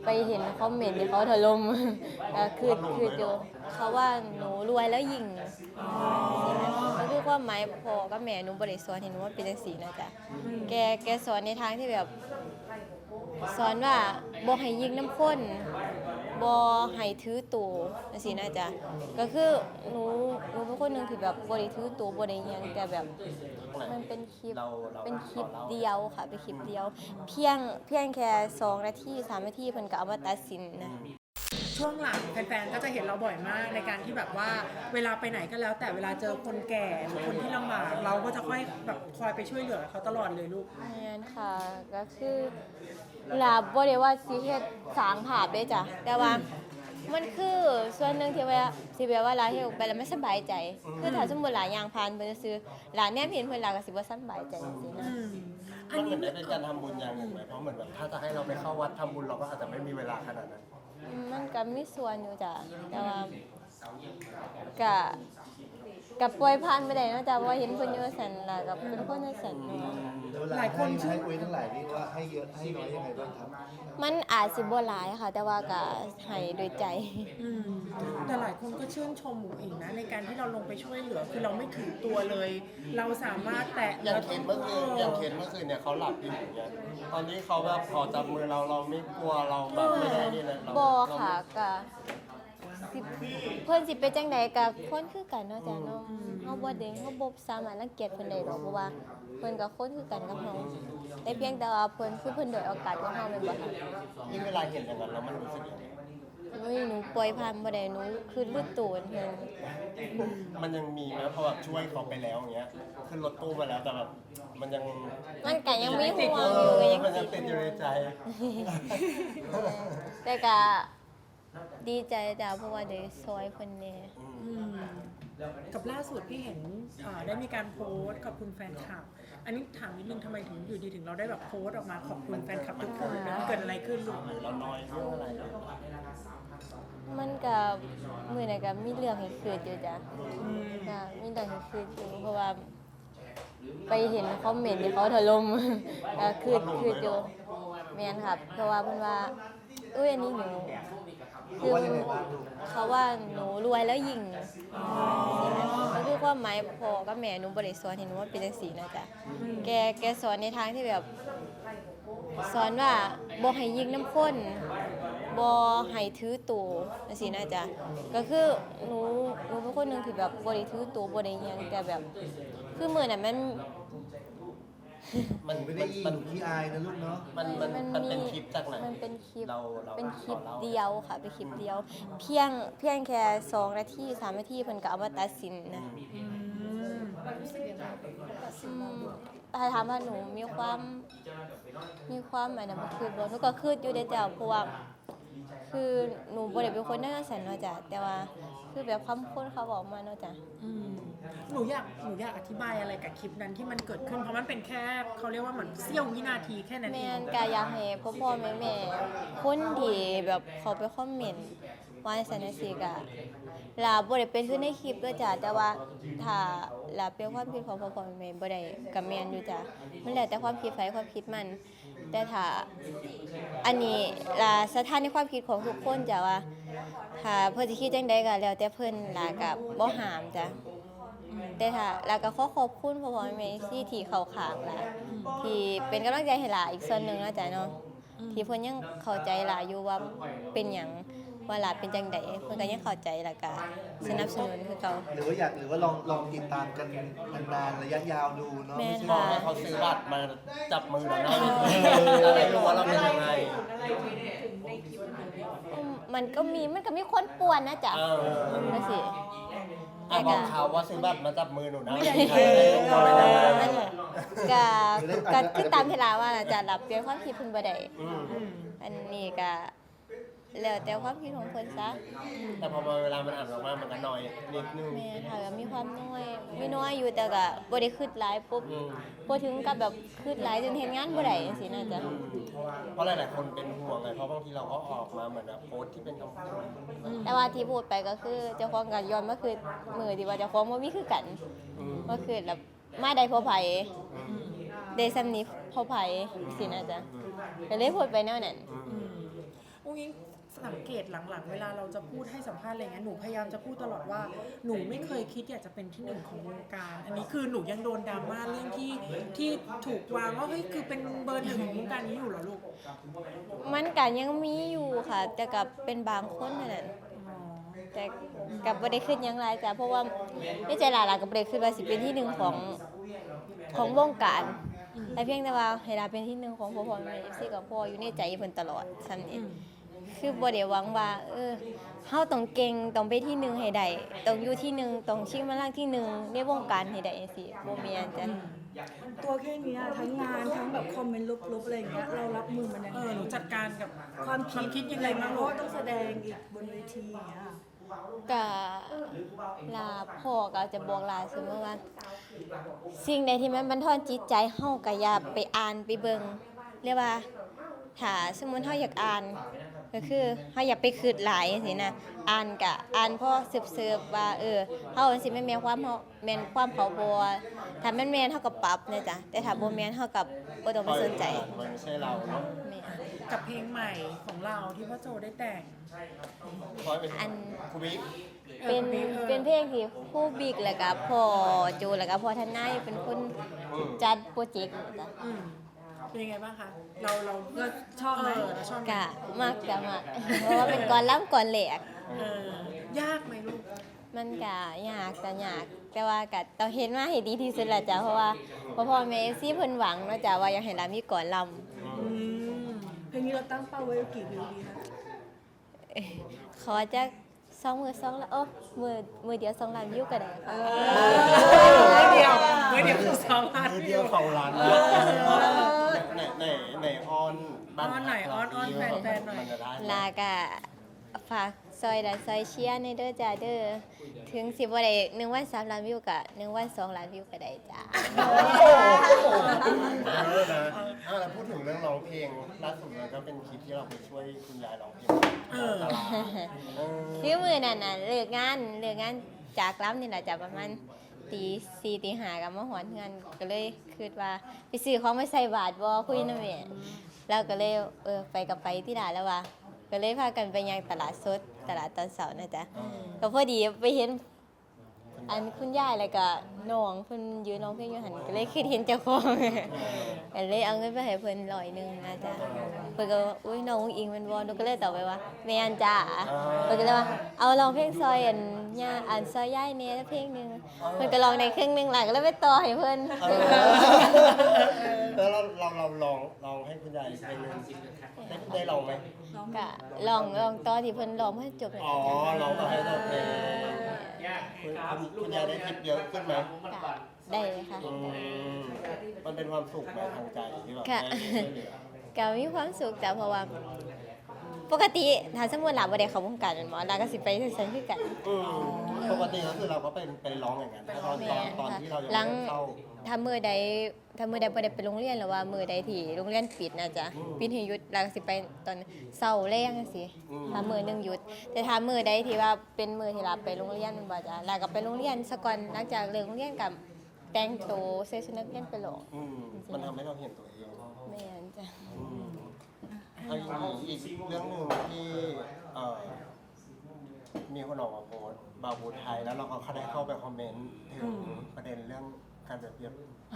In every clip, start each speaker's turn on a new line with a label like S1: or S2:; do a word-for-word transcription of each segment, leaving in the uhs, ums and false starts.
S1: ไปเห็นคอมเมนต์ที่เขาถล่มก็คือคืออยู่เขาว่าหนูรวยแล้วยิงก็คือความหมายพ่อกับแม่หนูบ่ได้สอนให้หนูว่าเป็นจังซี่นะจ๊ะแกแกสอนในทางที่แบบสอนว่าบ่ให้ยิงน้ำคนบ่ให้ถือตัวจังซี่นะจ๊ะก็คือหนูหนูเป็นคนนึงที่แบบบ่ได้ถือตัวบ่ได้หยังแต่แบบมันเป็นคลิปเป็นคลิปเดียวค่ะเป็นคลิปเดียวเพียงเพียงแค่สองนาทีสามนาทีเพิ่นก็เอามาตัดสินนะ
S2: ช่วงหลังแฟนๆก็จะเห็นเราบ่อยมากในการที่แบบว่าเวลาไปไหนก็แล้วแต่เวลาเจอคนแก่หรือคนที่ลำบากเราก็จะค่อยแบบคอยไปช่วยเหลือเขาตลอดเลยลูก
S1: นั่นค่ะก็คือลาบ่ได้ว่าสิเฮ็ดสร้างภาพเด้จ้ะแต่ว่ามันคือส่วนหนึ่งที่ว่าสิแบบว่าลาเฮ็ดออกไปแล้วไม่สบายใจคือถ้าสมมุติหลายอย่างผ่านเพิ่นซื้อหลานแนมเห็นเพิ่นหลาก็สิบ่สบายใจจังซี่นะ
S3: มันเหมือนได้เป็นการทำบุญอย่างหนึ่งไหมเพราะเหมือนแบบถ้าจะให้เราไปเข้าวัดทำบุญเราก็อาจจะไม่มีเวลาขนาดนั้น
S1: มันก็มีส่วนอยู่จ้ะแต่ว่าก็กับปล่อยผ่านไปได้เนาะจ้ะว่าเห็นเพิ่นอยู่สั่นล่ะกับเป็นคนจังซั่นเนาะ
S4: หลายคนให้คุยทั้งหลายนี่ว่าให้เยอะให้น้อยยังไงบ้างครับ
S1: มันอาจสิบ่หลายค่ะแต่ว่าก็ให้โดยใจ
S2: แต่หลายคนก็ชื่นชมหมูอิงนะในการที่เราลงไปช่วยเหลือคือเราไม่ถือตัวเลย เราสามารถแตะ
S3: อย่างเคนเมื่อคืนอย่างเคนเมื่อคืนเนี่ยเขาหลับอยู่อย่างเงี้ยตอนนี้เขาแบบขอจับมือเราเราไม่กลัวเราแบบไม่ได้นี่เลยเรา
S1: บ่ค่ะก็สิเพิ่นสิเป็นจังไดก็คนคือกันเนาะจ้ะเนาะเฮาบ่ได้เฮาบ่สามารถรังเกียจเพิ่นได้ดอกเพราะว่าเพิ่นก็คนคือกันกับเฮาแต่เพียงแต่ว่าเพิ่นคือเพิ่นด้อยโอกาสกว่าเฮาแม่นบ่ค่ะ
S3: ยิ่งเวลาเห็นอย่างนั้นแล้วมันรู้สึกยังไง
S1: โอ้ยหนูปล่อยผ่านบ่ได้หนูคือรู้ตัวเพิ่น
S3: มันยังมีไหมเพราะแบบช่วยเขาไปแล้วอย่างเงี้ยขึ้นรถตู้มาแล้วแต่แบบมันยัง
S1: มันก็ยังมีห่วงอยู่ก็ยัง
S3: มันยังติดอยู่ในใจ
S1: แต่ก็ดีใจจ้ะเพราะว่าได้ซอยเพิ่นแน่
S2: กับล่าสุดพี่เห็นได้มีการโพสต์ขอบคุณแฟนคลับอันนี้ถามนิดนึงทำไมถึงอยู่ดีถึงเราได้แบบโพสต์ออกมาขอบคุณแฟนคลับทุกคนเกิดอะไรขึ้นลูก
S3: เราน้อยเรื่องอะไร
S1: มันก็มื้อนั้นก็มีเรื่องให้คิดอยู่จ้ะก็มีเรื่องให้คิดอยู่เพราะว่าไปเห็นคอมเมนต์ที่เขาถล่มก็คือคืออยู่แม่นครับเพราะว่าเพิ่นว่าอุ้ยอันนี้หนูคือเขาว่าหนูรวยแล้วยิงก็คือความหมายพ่อกับแม่หนูบ่ได้สอนให้หนูว่าเป็นจังซี่นะจ๊ะแกแกสอนในทางที่แบบสอนว่าบ่ให้ยิงน้ำคนบ่ให้ถือตัวจังซี่นะจ๊ะก็คือหนูหนูเป็นคนนึงที่แบบบ่ได้ถือตัวบ่ได้หยังแต่แบบคือมื้อนั้นมัน
S4: มันไม่ได้ยิงพี่อายนะลูกเนาะ
S3: มันมันมันเป็นคลิปจากไหน
S1: มันเป็นคลิป
S3: เรา
S1: เป็นคลิปเดียวค่ะเป็นคลิปเดียวเพียงเพียงแค่สองนาทีสามนาทีเพิ่นก็เอามาตัดสินนะถ้าถามว่าหนูมีความมีความอันนั้นคือบ่หนูก็คิดอยู่เด้อจ้ะเพราะว่าคือหนูบ่ได้เป็นคนนั่นซั่นเนาะจ้ะแต่ว่าคือแบบคำพูดเขาบอกมาเนาะจ้ะ
S2: หนูอยากหนูอยากอธิบายอะไรกับคลิปนั้นที่มันเกิดขึ้นเพราะมันเป็นแค่เขาเรียกว่าเหมือนเสี้ยววินาทีแค่นั้นเอง
S1: แม่นก็อยากให้พ่อพ่อแม่แม่คนที่แบบเขาไปคอมเมนต์ว่าซั่นจังซี่ก็ลาบ่ได้เป็นคือในคลิปเด้อจ้ะแต่ว่าถ้าลาเป็นความคิดของพ่อพ่อแม่แม่บ่ได้ก็แม่นอยู่จ้ะมันแล้วแต่ความคิดไผความคิดมันแต่ถ้าอันนี้ลาสถานในความคิดของทุกคนจ้ะว่าถ้าเพิ่นสิคิดจังใดก็แล้วแต่เพิ่นลาก็บ่ห้ามจ้ะแต่ถ้าลาก็ขอขอบคุณพ่อพ่อแม่ที่ที่เข้าข้างล่ะที่เป็นกำลังใจให้หลาอีกส่วนหนึ่งนะจ๊ะเนาะที่เพิ่นยังเข้าใจหลาอยู่ว่าเป็นหยังว่าหลาเป็นจังไดเพิ่นก็ยังเข้าใจแล้วก็สนับสนุนคือเก่า
S4: หรือว่าอยากหรือว่าลองลองติดตามกันนานๆระยะยาวดูเนาะ
S1: ไม่
S3: ใช่ว่าเขาซื้อบัตรมาจับมือเราได้อะไรรู้ว่าเราเป็นยังไง
S1: มันก็มีมันก็มีคนป่วนนะจ๊ะนั่นสิ
S3: อ่ะบอกเขาว่าซื้อบัตรมาจับมือหนูนะ
S1: ก็ก็คือตามที่ลาว่าจะรับเปลี่ยนความคิดเพิ่นบ่ได้อันนี้ก็แล้วแต่ความคิดของเพิ่นซะ
S3: แต่พอมาเวลามันอ่านออกมามันก็น้อยนิดนึง
S1: แม่ค่ะก็มีความน้อยมีน้อยอยู่แต่ก็บ่ได้คิดหลายปุ๊บบ่ถึงกับแบบคิดหลายจนเฮ็ดงานบ่ได้จังซี่นะจ๊ะ
S3: เพราะหลายๆคนเป็นห่วงไงเพราะบางทีเราก็ออกมาเหมือนแบบโพสต์ที่เป็นคำพูด
S1: แต่ว่าที่พูดไปก็คือเจ้าของก็ย้อนมาคือมื้อที่ว่าเจ้าของบ่มีคือกันก็คือแบบมาได้เพราะไผได้ซำนี้เพราะไผสินะจ๊ะก็เลยพูดไปแนวนั้น
S2: อุ้ยงิ้งสังเกตหลังๆ เวลาเราจะพูดให้สัมภาษณ์อะไรเงี้ยหนูพยายามจะพูดตลอดว่าหนูไม่เคยคิดอยากจะเป็นที่หนึ่งของวงการ อันนี้คือหนูยังโดนดราม่าเรื่องที่ที่ถูกวางว่าเฮ้ยคือเป็นเบอร์หนึ่งของวงการนี้อยู่เหรอลูก
S1: มันก็ยังมีอยู่ค่ะ แต่กับเป็นบางคนเท่านั้น
S2: อ๋อ
S1: แต่กับบ่ได้ขึ้นหยังหลายจ้ะเพราะว่าในใจหลายๆก็บ่ได้ขึ้นว่าสิเป็นที่หนึ่งของของวงการแต่เพียงแต่ว่าให้ลาเป็นที่หนึ่งของพ่อพ่อแม่ เอฟ ซี ก็พออยู่ในใจเพิ่นตลอดซ้ำนี้คือบ่ได้หวังว่าเออเฮาต้องเก่งต้องไปที่หนึ่งให้ได้ต้องอยู่ที่หนึ่งต้องชิงมาลังที่หนึ่งในวงการให้ได้จังซี่บ่แม่นจ้ะ
S5: ตัวแค่เนี้ยทั้งงานทั้งแบบคอมเมนต์ลบๆอะไรอย่างเงี้ยเรารับมือมันยัง
S2: เอ
S5: ไง
S2: อหนูจัดการกับ
S5: ความคิด
S2: คิดยังไงบ้าง
S5: เพ
S2: ลู
S5: ราะ
S2: ก
S5: ว่าต้องแสดงอีกบนเวทีอย่างเงี้ย
S1: ก็ลาพ่อก็จะบอกลาเสมอว่า สิ่งใดที่มันบันทอนจิตใจเฮาก็อย่าไปอ่านไปเบิ่งเรียกว่าถ้าสมมุติเฮาอยากอ่าน ก็คือเฮาอย่าไปคิดหลายจังซี่นะอ่านก็อ่านพอสืบๆว่าเออเฮาสิแม่นแม่นความเฮาแม่นความเขาบ่ถ้าแม่นแม่นเฮาก็ปรับนะจ๊ะแต่ถ้าบ่แม่นเฮาก็บ่ต้องไปสนใจ
S3: มันไม่ใช่เราเนาะ
S1: แม่น
S2: กับเพลงใหม่ของเราที่พ่อโจได้แต่ง
S3: คอยเป็น
S1: อัน
S3: ครูบิ๊ก
S1: เป็นเป็นเพลงที่ครูบิ๊กแล้วก็พ่อโจแล้วก็พ่อทนายเป็นคนจัดโปรเจกต์นะจ๊ะ
S2: อืมเป็นยังไงบ้างคะ เราเรา
S5: เราชอบไหม
S2: เออเราชอบไหม
S1: กะมากกะมากเพราะว่าเป็นก่อนล้ำก่อนแหลก
S2: เออยากไหมลูก
S1: มันกะยากแต่ยาก แต่ว่ากะต้องเห็นมาให้ดีที่สุดแหละจ้ะเพราะว่าพ่อพ่อแม่ เอฟ ซี เพิ่นหวังเนาะจ้ะว่าอยากให้ลามีก่อนล
S2: อืม
S5: เพลงนี้เราตั้งเป้าไว้กี่วิวดีคะ
S1: ำเอ้ยขอจักสองมือสองละโอ้มือมือเดียวสองล้านวิวก็ได้ค่ะ
S2: เมื่อเดียวเมื่อเดียวคือสองพัน
S3: มือเดียวของร้านนะไหนไหนไหนออนบ้า
S2: ออนหน่อยออนออนแฟนๆหน่อย
S3: มัจะได้ไหม
S1: ลากะฝากซอยดันซอยเชียร์ในเด้อจ้าเด้อถึงสิบ่ได้หนึ่งวันสามล้านวิวกะหนึ่งวันสองล้านวิวก็ได้จ้า
S3: เออนะอ่ะแล้วพูดถึงเรื่องร้องเพลงล่าสุดเลยก็เป็นคลิปที่เราไปช่วยคุณยายร้องเพลง
S2: เออ
S3: ตลาดเออ
S1: คือมือนั่นน่ะเลิกงานเลิกงานจากล้ำนี่แหละจ้ะประมาณตีสี่ตีห้ากับมาหอนเงินก็เลยคิดว่าไปซื้อของมาใส่บาทบ่คุยนำแม่แล้วก็เลยเออไปกับไปที่ร้านแล้วว่าก็เลยพากันไปยังตลาดสดตลาดตอนเสาร์นะจ๊ะก็พอดีไปเห็นอันคุณยายแล้วก็น้องเพิ่นยืนร้องเพลงอยู่หั่นก็เลยคิดเห็นเจ้าของก็เลยเอาเงินไปให้เพิ่นร้อยหนึงนะจ๊ะเพิ่นก็ว่าอุ้ยน้องอุ๊งอิงแม่นบ่หนูก็เลยตอบไปว่าแม่นจ้าเพิ่นก็เลยว่าเอาร้องเพลงซอยอันย่าอันซอยยายแหน่เพลงหนึงเพิ่นก็ร้องได้ครึ่งหนึงหล่ะก็เลยไปต่อให้เพิ่น
S3: เออแล้วเราเราเราลองลองให้คุณยายเพลงหนึงได้ได้ลองไหม
S1: ก็ลองลองต่อที่เพิ่นร้องเพิ่นจบแล้ว
S3: อ๋อลองก็ให้เราเพลงคุณคุณคุณยายได้ทิปเยอะขึ้นไหม
S1: ก็ได้เลยค่ะ
S3: อืมมันเป็นความสุขไหมทางใจที่แบบ
S1: ค่ะ
S3: ได้ช่วยเหลือ
S1: ก็มีความสุขจ้ะเพราะว่า ปกติถ้าสมมุติหลาบ่ได้เข้าวงการแม่นบ่หลาก็สิไปซั่นคือกัน
S3: อืมปกติก็คือเราก็เป็นเป็นร้องอย่างนั้นตอนตอนตอนที่เรายัง
S1: หลัง
S3: ไม่ได้เข้า
S1: ถ้ามื้อใดถ้ามื้อใดบ่ได้ไปโรงเรียนหรือว่ามื้อใดที่โรงเรียนปิดนะจ๊ะปิดให้หยุดหลาก็สิไปตอนเช้าแลงจังซี่ถ้ามื้อหนึงหยุด แต่ถ้ามื้อใดที่ว่าเป็นมื้อที่หลาไปโรงเรียนแม่นบ่จ๊ะหลาก็ไปโรงเรียนซะก่อนหลังจากเลิกโรงเรียนก็แต่งตัวใส่ชุดนักเรียนไปโรง
S3: อืมมันทำให้เราเห็นตัวเอง
S1: แม่นจ้ะ
S3: อืมเอาอีกอีกเรื่องหนึ่งที่เอ่อมีคนออกมาโพสต์บาบูไทยแล้วเราก็เขาได้เข้าไปคอมเมนต์ถึงประเด็นเรื่องการเปรียบเทียบ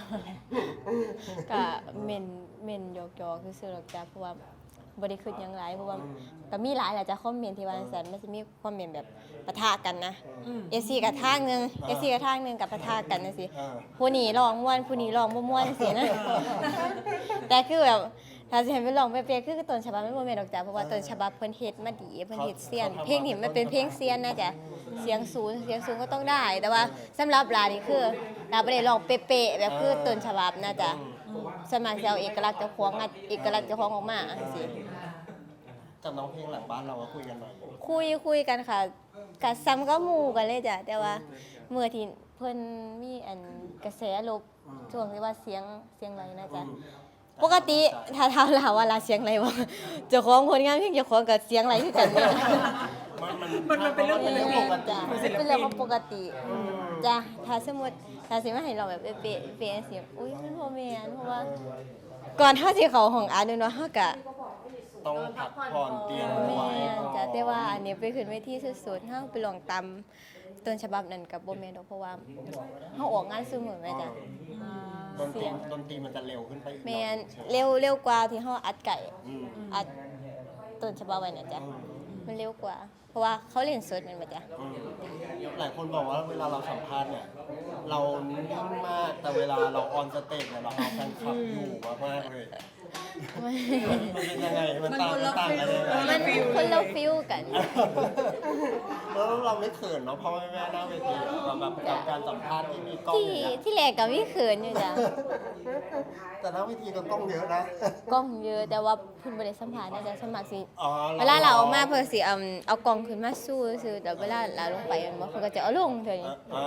S1: ก็เม่นเม่นหยอกๆคือซื่อๆหรอกจ้ะเพราะว่าบ่ได้คิดหยังหลายเพราะว่าก็มีหลายแหละจ้ะคอมเมนต์ที่ว่าจังซั่นมันสิมีคอมเมนต์แบบปะทะกันนะ
S2: อืม
S1: เอฟซีกับทางหนึงเอฟซีกับทางหนึงกับปะทะกันจังซี่
S3: เออ
S1: ผู้นี้ร้องม่วนผู้นี้ร้องบ่ม่วนจังซี่นะ แต่คือแบบถ้าสิให้ไปร้องเป๊ะๆคือต้นฉบับมันบ่แม่นดอกจ้ะเพราะว่าต้นฉบับเพิ่นเฮ็ดมาดีเพิ่นเฮ็ดเซียนเพลงนี้มันเป็นเพลงเซียนนะจ๊ะเสียงสูงเสียงสูงก็ต้องได้ แต่ว่าสำหรับลานี่คือลาบ่ได้ร้องเป๊ะๆแบบคือต้นฉบับนะจ๊ะสวนมัครสิเอาเอกลักษณ์เจ้าของอะเอกลักษณ์เจ้าของออกมาจังซี่
S3: กับน้องเพลงหลังบ้านเราก็คุยกันหน่อย
S1: คุยคุยกันค่ะกัซ้ำก็หมู่กันเลยจ้ะแต่ว่าเมื่อที่เพิ่นมีอันกระแสลบช่วงที่ว่าเสียงเสียงไรนะจ๊ะปกติถ้าถามลาว่าลาเสียงไรบ่เจ้าของผลงานเพลงเจ้าของก็เสียงไรคือกันเนี่ย
S3: มันมัน
S2: มันมันเป็นเรื่อง
S3: มันเป็นเรื่องปกติ
S1: จ้ะเป็นเรื่องของปกติจ้ะถ้าสมมุติถ้าสิมาให้เราแบบเป๊ะๆเป๊ะเสียงอุ้ยมันบ่แม่นเพราะว่า ก่อนเฮาสิเข้าห้องอัดเนาะเฮาก็
S3: ต้องพักผ่อนเตรียมไว้
S1: แม่นจ้ะแต่ว่าอันนี้ไปขึ้นเวทีสุดๆเฮาไปลองตามต้นฉบับนั้นกับบ่แม่นดอกเพราะว่าเฮาออกงานซุมื้อแม่จ้ะ
S3: ดนตรีดนตรีมันจะเร็วขึ้นไปอีกหน่
S1: แม่
S3: อย
S1: น
S3: ใช่ไหม
S1: เร็วเร็วกว่าที่เฮาอัดไก่
S3: อืม
S1: อัดต้นฉบับไว้น่ะจ้ะ
S3: อืม
S1: มันเร็วกว่า เพราะว่าเขาเล่นสดแม่นบ่จ้ะ
S3: อืมหลายคนบอกว่าเวลาเราสัมภาษณ์เนี่ย เรานิ่งมากแต่เวลาเราออนสเตจเนี่ยเราเอาแฟนคลับอยู่มากๆเลย มันเป็นยังไงมันต่างมันต่างกันยังไง
S1: มันคนละฟิลกัน
S3: แล้วเราไม่เขินเนาะเพราะว่าแม่หน้าเวทีอะแบบกับการสัมภาษณ์ที่มีกล้อง
S1: ที่
S3: อย่างเงี้ย
S1: ที่แรกก็มีเขินอยู่จ้ะ
S3: แต่หน้าเวทีก็กล้องเยอะนะ
S1: กล้องเยอะแต่ว่าเพิ่นบ่ได้สัมภาษณ์นะจ๊ะสมัครสิ
S3: อ๋อ
S1: เวลาเราออกมาเพิ่นสิเอาเอากล้องขึ้นมาสู้ซื่อแต่เวลาเราลงไปมันบ่เพิ่นก็จะเอาลงเท่านี้
S3: อ่า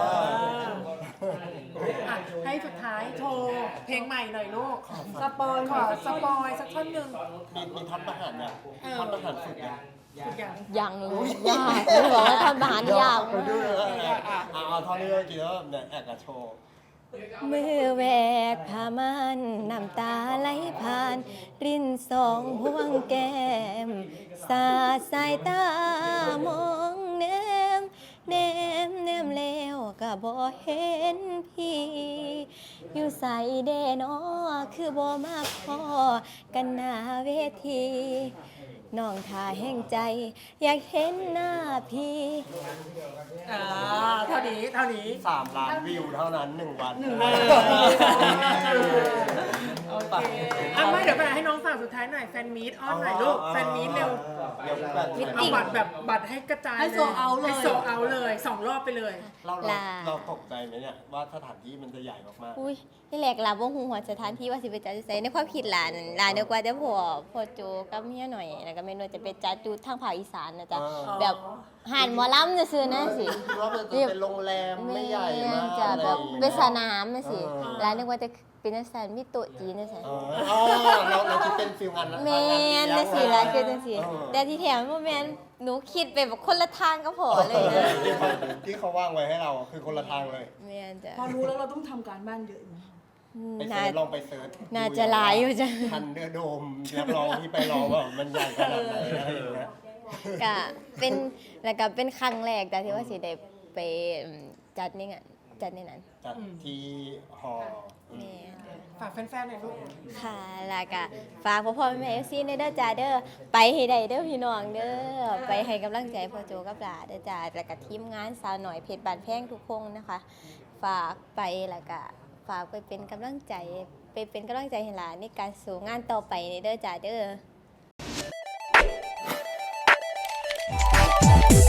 S2: อ่ะให้สุดท้ายโชว์เพลงใหม่หน่อยลูก
S5: สปอย
S2: ขอสปอยสักท่อนหนึ่ง
S3: มีมีท่อนประหารเนี่ย
S2: เออ
S3: ท่อนประหารฝึกเนี่ย
S2: ทุกอย่าง
S1: ยังเลยยากเลยบอกว่าทำอาหารยาก
S3: ไป
S1: มาก
S3: ดูเลยอ่ะอ่ะเอาท่อนนี้เรากินแล้วแบบเนี่ยแอบกระโชว์
S1: มือแหวกผ้ามันน้ำตาไหลผ่าน รินสองพวงแก้ม สาดสายตามองแนมแนมแนมแล้วก็บ่เห็นพี่ อยู่ใส่เดนอคือบ่มาพอกันหน้าเวทีน้องท่าแห่งใจ อยากเห็นหน้าพี่
S2: อ่าเท่านี้เท่านี้
S3: สามล้านวิวเท่านั้นหนึ่งวันหนึ่ง
S2: เอ
S3: วัน
S2: โอเคอ่ะไม่เดี๋ยวไปให้น้องฝากสุดท้ายหน่อยแฟนมีตอ้อนหน่อยลูกแฟนมีตเร็ว
S3: เดี๋ยวแบบ
S2: เอาบัตรแบบบัตรให้กระจาย
S5: ให้โซเอาเลย
S2: ให้โซเอาเลยสองรอบไปเลย
S3: เราเรา
S1: ลา
S3: เราตกใจไหมเนี่ยว่าสถานที่มันจะใหญ่มาก
S1: อุ้ยนี่แหลกลาบ่ฮู้หัวสถานที่ว่าสิไปจัดอยู่ไสในความคิดหลานหลานเดียวกว่าแต่พ่อพ่อโจกับเมียหน่อยแล้วก็แม่นวลจะไปจัดอยู่ทางภาคอีสานนะจ๊ะ
S2: อ๋อ
S1: แบบหานหมอลำซื่อๆนะสิ
S3: ๆคิดว่ามันจะเป็นโรงแรมไม่ใหญ่มาก
S1: จะแบบ
S3: อะไรอย่างงี้ย
S1: เป็นสนามนะสิ
S3: เออ
S1: ร้านนึกว่าจะเป็นจังซั่นมีโต๊ะจีนจังซั่น
S3: เอออ๋อเราเราคิดเป็นฟิลงาน
S1: แม่นจังซี่ล่ะคือจังซี่
S3: เออ
S1: แต่ที่แถมบ่แม่นหนูคิดไปแบบคนละทางก็พอเลยนะ
S3: ที่เขาที่เขาว่างไว้ให้เราคือคนละทางเลย
S1: แม่นจ้ะ
S5: พอรู้แล้วเราต้องทำการบ้านเยอะไหม
S3: ไป
S1: น่า
S3: เซิร์ชลองไปเซิร์ช
S1: น่าจะหลายอยู่จ้ะ
S3: ทันเดอร์โดมนักร้องที่ไปร้องว่ามันใหญ่ขนาดไหนอะไรอย่างเงี้ย
S1: ก็เป็นแล้วก็เป็นครั้งแรกแต่ที่ว่าสิได้ไปอืมจัดนี่งานจัดในนั้น
S3: จัดที่หออืม
S1: แม่
S2: ฝากแฟนๆหน่อยลูก
S1: ค่ะแล้วก็ฝากพ่อพ่อแม่เอฟซีในเด้อจ้าเด้อไปให้ได้เด้อพี่น้องเด้อไปให้กำลังใจพ่อโจกับหลาเด้อจ้าแล้วก็ทีมงานสาวหน่อยเพชรบานแพงทุกคนนะคะ ฝากไปแล้วก็ฝากไปเป็นกำลังใจไปเป็นกำลังใจให้หลานในการสู่งานต่อไปในเด้อจ้าเด้อ